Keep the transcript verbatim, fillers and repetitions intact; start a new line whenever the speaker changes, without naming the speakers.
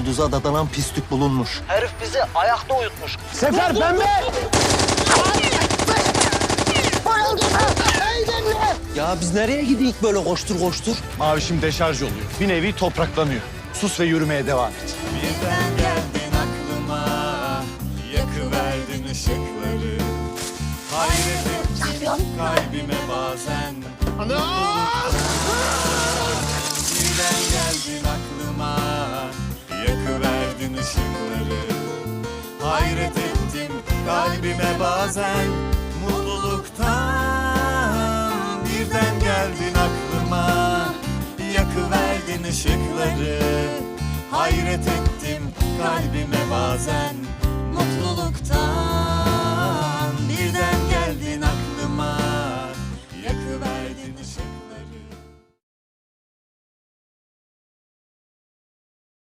yıldıza dadanan pislik bulunmuş. Herif bizi ayakta uyutmuş.
Sefer pembe!
Ya biz nereye gidik böyle koştur koştur?
Mavişim deşarj oluyor. Bir nevi topraklanıyor. Sus ve yürümeye devam et.
Birden geldin aklıma, yakıverdin ışıkları. Hayret ettim kalbime bazen. Birden geldin aklıma, yakıverdin ışıkları. Hayret ettim kalbime bazen mutluluktan. Birden geldin aklıma, yakıverdin ışıkları. Hayret ettim kalbime bazen mutluluktan.